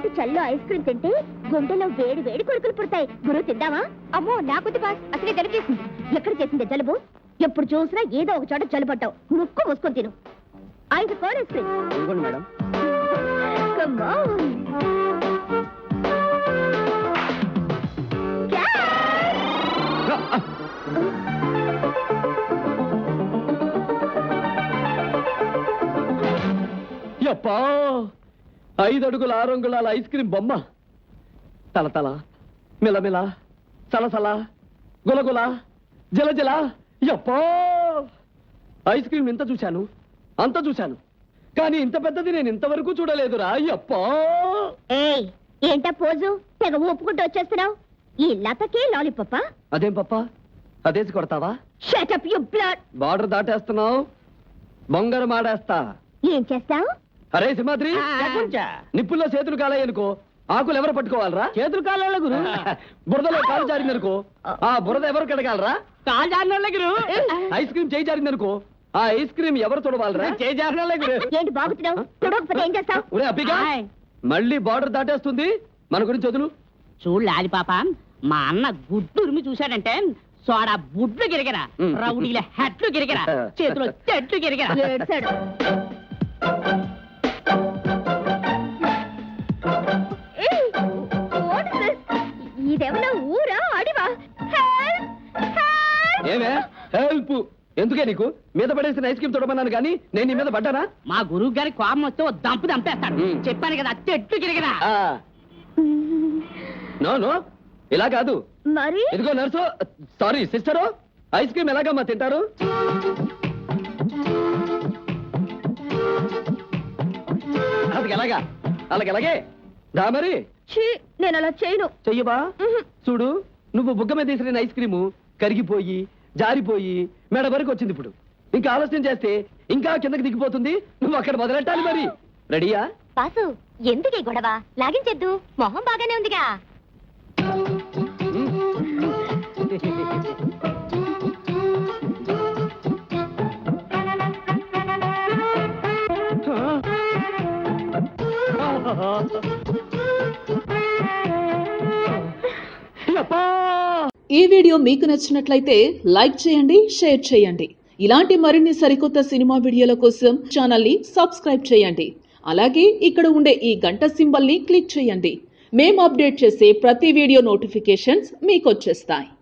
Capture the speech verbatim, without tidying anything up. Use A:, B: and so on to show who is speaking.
A: పాటు చల్లో ice cream తింటే గుండెలో వేడి వేడి కొడుకులు పుడతాయి. గురువు తిందామా? అమ్మో నాకొద్దు బాస్, అసలే జలుబు చేసింది. ఎక్కడ చేసిందే జలుబు? ఎప్పుడు చూసినా ఏదో ఒక చోట జలుబట్టావు. ముక్కు మూసుకొని తిను. ఐదు కోన్ ఐస్ క్రీమ్.
B: ఇదిగోండి మేడం.
A: Come on.
B: యప్పా, ఐదు అడుగుల ఆరు అంగుళాల ఐస్ క్రీమ్ బొమ్మ. తల తల మిలమిల సలసల గులగుల జలజల. యప్పా, ఐస్ క్రీమ్ ఇంత చూశాను, అంత చూశాను, కానీ ఇంత పెద్దది నేను ఇంతవరకు చూడలేదురా. యప్పా,
A: ఏయ్ ఏంటా పోజు? తెగ ఊపుకుంటూ వచ్చేస్తున్నావు. ఈ లతకి లాలీపప్ప?
B: అదేం పప్ప, అదేసి కొడతావా?
A: Shut up you blood.
B: Border దాటేస్తున్నావు, బొంగర మాడేస్తా.
A: ఏం చేస్తావు?
B: అరే సింహాద్రి, నిప్పుల్లో చేతులు కాలాయనుకో, ఆకులు ఎవరు పట్టుకోవాలరా?
C: చేతులు కాళ్ళ గురు.
B: బురదలో కాలు జారిందనుకో, ఆ బురద ఎవరు కడగాలరా?
C: కాలు జారిన గురు.
B: ఐస్ క్రీమ్ చేయి జారిందనుకో, ఆ ఐస్ క్రీమ్ ఎవరు తొడవాలరా?
C: చేయి జారిన గురు.
A: ఏంటి బాగుతున్నావు? తొడవకపోతే ఏం చేస్తావు?
B: ఒరే అప్పిగా, మళ్ళీ బార్డర్ దాటేస్తుంది, మన గురించి వదులు.
C: చూడు లాలి పాప, మా అన్న గుడ్డురిమి చూశాడంటే సోడా బుడ్లు గిరిగరా, రౌడీల హెట్లు గిరిగరా, చేతిలో చెట్లు గిరిగరా.
A: ఏడ్చాడు. ఏయ్, what is this? ఇదేమన్నా ఊరా అడివా? Help! Help!
B: ఏమే హెల్ప్ ఎందుకే నీకు? మీద పడేసిన ఐస్ క్రీమ్ తొడమన్నాను కానీ నేను నీ మీద పడ్డానా?
C: మా గురువు గారి కోపం వస్తే ఓ దంపు దంపేస్తాడు. చెప్పాను కదా, చెట్లు గిరిగరా.
B: నో నో, ఇలా కాదు.
A: మరి
B: ఇదిగో nurse, sorry sister, ice cream ఎలాగమ్మా తింటారు? అది ఎలాగా? అలాగెలాగే దా మరి.
A: ఛీ, నేను అలా చేయను.
B: చెయ్యబా. చూడు, నువ్వు బుగ్గ మీద తీసిన ఐస్ క్రీము కరిగిపోయి జారిపోయి మెడ వరకు వచ్చింది. ఇప్పుడు ఇంకా ఆలస్యం చేస్తే ఇంకా కిందకి దిగిపోతుంది. నువ్వు అక్కడ మొదలెట్టాలి మరి. రెడీయా?
A: బాసు, ఎందుకే గొడవ? లాగించేద్దు, మొహం బాగానే ఉందిగా.
D: ఈ వీడియో మీకు నచ్చినట్లయితే లైక్ చేయండి, షేర్ చేయండి. ఇలాంటి మరిన్ని సరికొత్త సినిమా వీడియోల కోసం ఛానల్ ని సబ్స్క్రైబ్ చేయండి. అలాగే ఇక్కడ ఉండే ఈ గంట సింబల్ ని క్లిక్ చేయండి. మేము అప్డేట్ చేసే ప్రతి వీడియో నోటిఫికేషన్స్ మీకు వచ్చేస్తాయి.